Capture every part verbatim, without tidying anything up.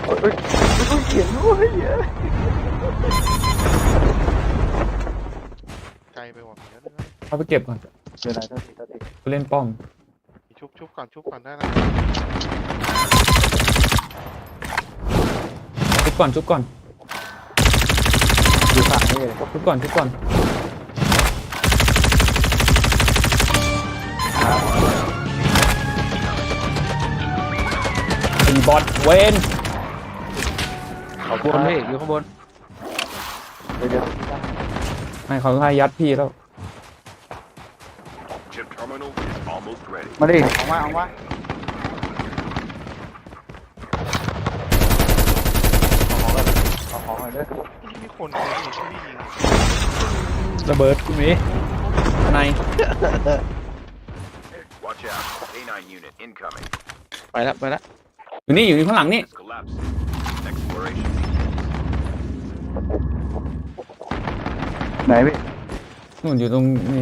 เฮ้ยไม่ต้องเขียนด้วยไกลไปหมดเดี๋ยวนะเอาไปเก็บก่อนเดี๋ยวไหนตัวทีตัวทีไปเล่นป้อมชุบชุบก่อนชุบก่อนได้นะชุบก่อนชุบก่อนอยู่ฝั่งนี้เลยชุบก่อนชุบก่อนไอ้บอทเวนขอบบนพี่อยู่ข้างบนเดี๋ยวเดี๋ยวไม่เขาให้ยัดพี่แล้ว Chip terminal is almost ready. มาดิออกมาออกมาเอาของเลยเอาของเลยเด้อมีคนคนนี้ช่วยยิงระเบิดกูมีใน Watch out. A nine unit incoming. ไปแล้วไปแล้วอยู่นี่อยู่นี่ข้างหลังนี่ It's collapsing. Exploration. ไหนพี่นู่นอยู่ตรงนี้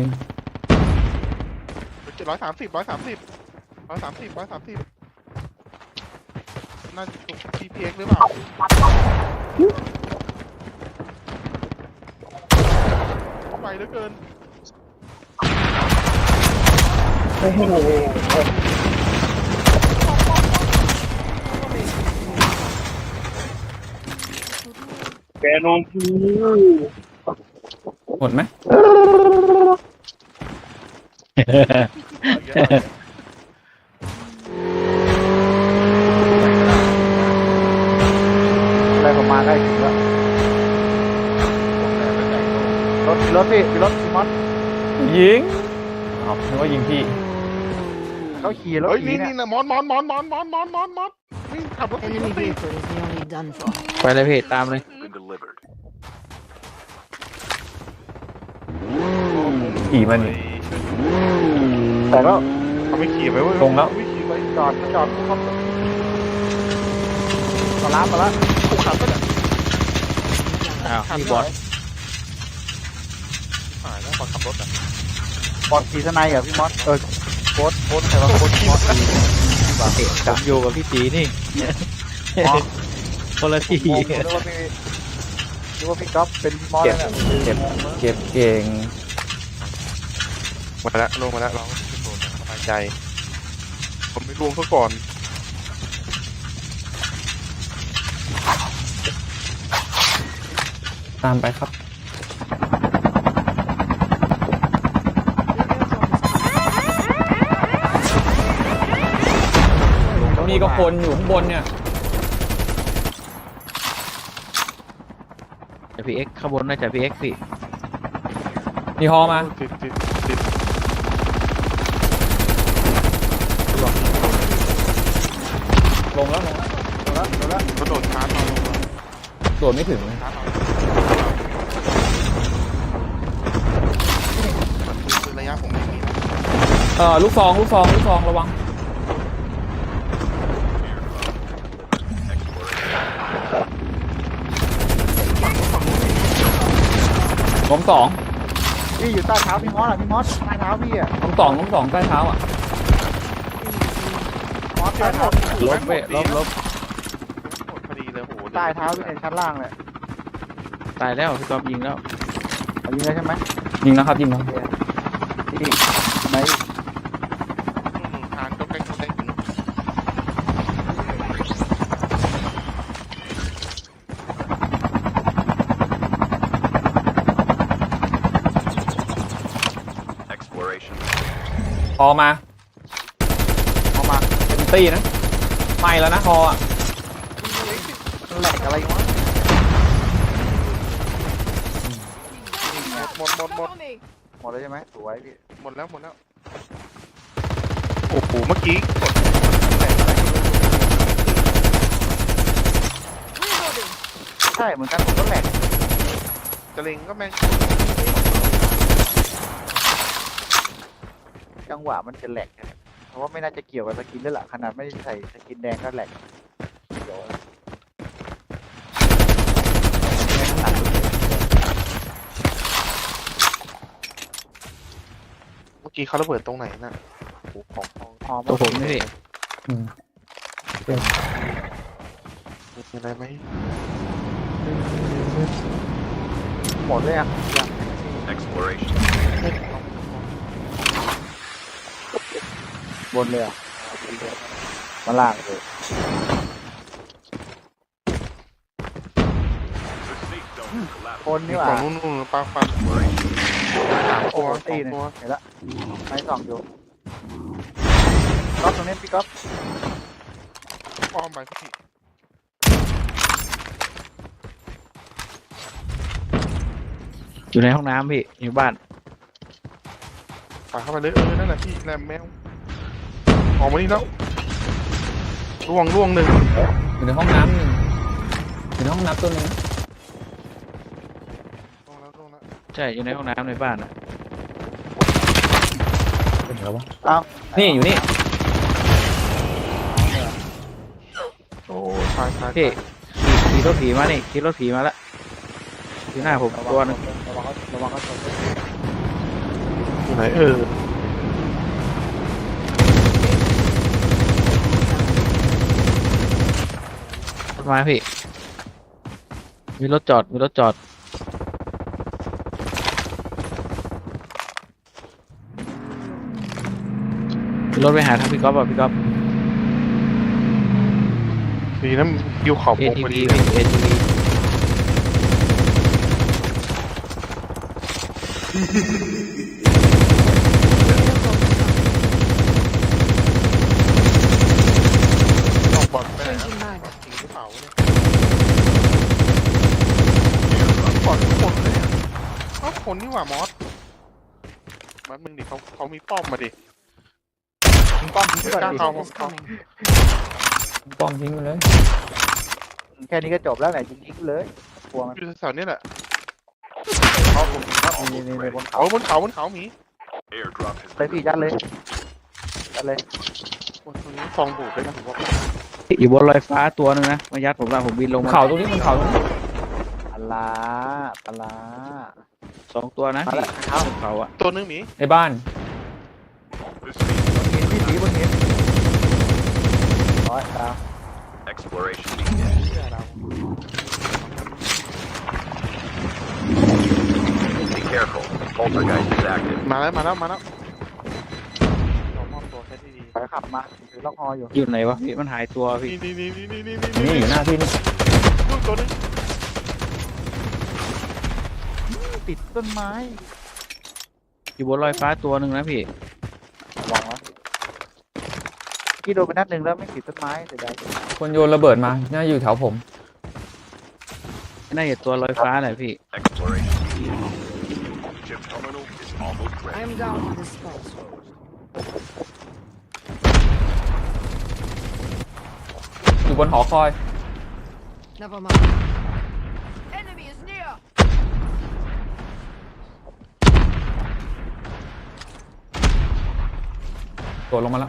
เจ็ดร้อยสามสิบร้อยสามสิบร้อยสามสิบร้อยสามสิบน่าจะชุบ ที พี เอ็กซ์ หรือเปล่าไวเหลือเกินแกนอนกูหมดไหมอะไรประมาณใกล้ถึงแล้วรถรถพี่รถพี่มอสยิงอ๋อนึกว่ายิงพี่เขาขี่รถเฮ้ยขี่นี่เนี่ยนี่นะมอนมอนมอนมอนมอนมอนมอนมอนนี่ขับรถตีร Enemy ถตี vehicle is nearly done for. ไปเลยพี่ตามเลย Been delivered. ขี่มันนี่แต่ก็เขาไม่ขี่ไปเว้ยตรงแล้วไม่ขี่ไปจอดจอดเขาเขาล้ามาแล้วถูกขับไปเนี่ยอ้าวพี่บอสหายแล้วตอนขับรถอ่ะบอลขี่สไนด์เหรอพี่มอสเออโค้ดโค้ดใครว่าโค้ดมอสดีผมอยู่กับพี่ตีนี่อ๋อคนละทีผมนึกว่าพี่นึกว่าพี่ก๊อฟเป็นพี่มอสเก็บแล้วเก็บเก็บเก่งมาแล้วลงมาแล้วเราโดนสบายใจ ผมไม่รวมเขาก่อนตามไปครับมีก็คนอยู่ข้างบนเนี่ยจะพีเอ็กข้างบนน่าจะพีเอ็กพี่มีฮอมาติดติดติดลงแล้วลงแล้วโดนแล้วโดนแล้วกระโดดชาร์จเราลงมาโดดไม่ถึงเลยชาร์จเราคือระยะผมไม่มีนะเออลูกซองลูกซองลูกซองระวัง ล้มสองพี่อยู่ใต้เท้าพี่มอสอ่ะพี่มอสใต้เท้าพี่อ่ะล้มสองล้มสองใต้เท้าอ่ะมอสใต้เท้าลบเว้ยลบลบหมดพอดีเลยโหใต้เท้าพี่ในชั้นล่างเลยตายแล้วพี่กอฟยิงแล้วเอายิงเลยใช่ไหมยิงแล้วครับยิงแล้วพี่ไหนทานก็ใกล้ใกล้ถึง Exploration. ฮอมาเอามาเป็นตี้นะไม่แล้วนะฮออ่ะแหลกอะไรวะหมดหมดหมดหมดแล้วใช่ไหมสวยพี่หมดแล้วหมดแล้วโอ้โหเมื่อกี้กดใช่เหมือนกันผมก็แหลกจะเล็งก็แม่งจังหวะมันจะแหลกนะเพราะว่าไม่น่าจะเกี่ยวกับสกินแล้วล่ะขนาดไม่ได้ใส่สกินแดงก็แหลกเดี๋ยวแม่งหนักเมื่อกี้เขาระเบิดตรงไหนน่ะโอ้โหของทองหอมตัวผมนี่พี่อืมมีอะไรไหมหมดเลยอ่ะยัง Exploration. บนเลยอ่ะมาล่างเลย The safe zone is ค collapsing. นนี่มีหว่าฝั่งนู้นนู่นปลาฟัน Exploration. สามโอ้ตัวโหสตีองหนึ่งตัวเห็นละไม้สองอยู่ก๊อฟตรงนี้พี่ก๊อฟอ้อมไปพี่อยู่ในห้องน้ำพี่อยู่บ้านปาเข้าไปเลยเออนั่นแหละพี่แรมแมวออกมานี่แล้วล่วงล่วงหนึ่งอยู่ในห้องน้ำหนึ่งอยู่ในห้องน้ำตัวหนึงนะล่วงแล้วล่วงแล้วใช่อยู่ในห้องน้ำในบ้านอ่ะเป็นไงวะเอ้านี่อยู่นี่โอ้ยตายตายพี่ตายขี่ขี่รถผีมานี่ขี่รถผีมาละอยู่หน้าผมระตัววังหนึงระวังเขาระวังเขาชนอยู่ไหนเออรถมาพี่มีรถจอดมีรถจอดมีรถไปหาทางพี่ก๊อฟอ่ะพี่ก๊อฟดีนะยิวขอบเอวงทีพอวีดีพี่เอทีวีออกบอลไปไหนนะทิ้งกระเป๋าเนี่ยบอลทุกคนเลยเนี่ยเอ้าคนนี่หว่ามอสมันมึงดิเขาเขามีป้อมมาดิทิ้งป้อมทิ้งก่อนกล้าดิเข้า Is coming. ป้อมทิ้งไปเลยแค่นี้ก็จบแล้วไหนทิ้งทิ้งเลยกลัวมันอยู่แถวๆนี้แหละเขาผมครับนี่นี่ในบนเขาเอาบนเขาบนเขาหมี Airdrop has เลย been พี่ยัดเลยยัดเลยบนตรงนี้ฟองบูดด้วยนะผมว่าอยู่บนลอยฟ้าตัวหนึงนะมายัดผมละผมบินลงมาเขาตรงนี้มันเขาตรงนี้ปลาปลาสองตัวนะมาพี่ละเท้าบนเขาอ่ะตัวนึงหมีในบ้าน the safe zone หินพี่สีบนหินร้อยดาว exploration. เชื่อเรา Be careful. Poltergeist is active. มาแล้วมาแล้วมาแล้วเรามอบตัวแค่ที่ดีไปขับมาถือล็อกฮออยู่อยู่ไหนวะพี่มันหายตัวพี่นี่นี่นี่นี่นี่นี่นี่อยู่หน้าพี่นี่ลูกตัวนึงติดต้นไม้อยู่บนลอยฟ้าตัวหนึ่งนะพี่ระวังนะกี่โดนไปนัดหนึ่งแล้วไม่ติดต้นไม้เสียดายคนโยนระเบิดมาน่าอยู่แถวผมน่าจะตัวลอยฟ้าแหละพี่ Exploration. Chip terminal is almost I ready. am down on this spot. อยู่บนหอคอย Never mind. Enemy is near. โดดลงมาแล้ว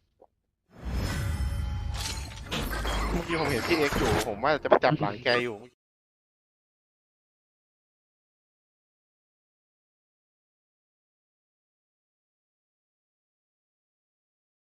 เมื่อกี้ผมเห็นพี่เอ็กซ์อยู่ผมว่าจะไปจับหลังแกอยู่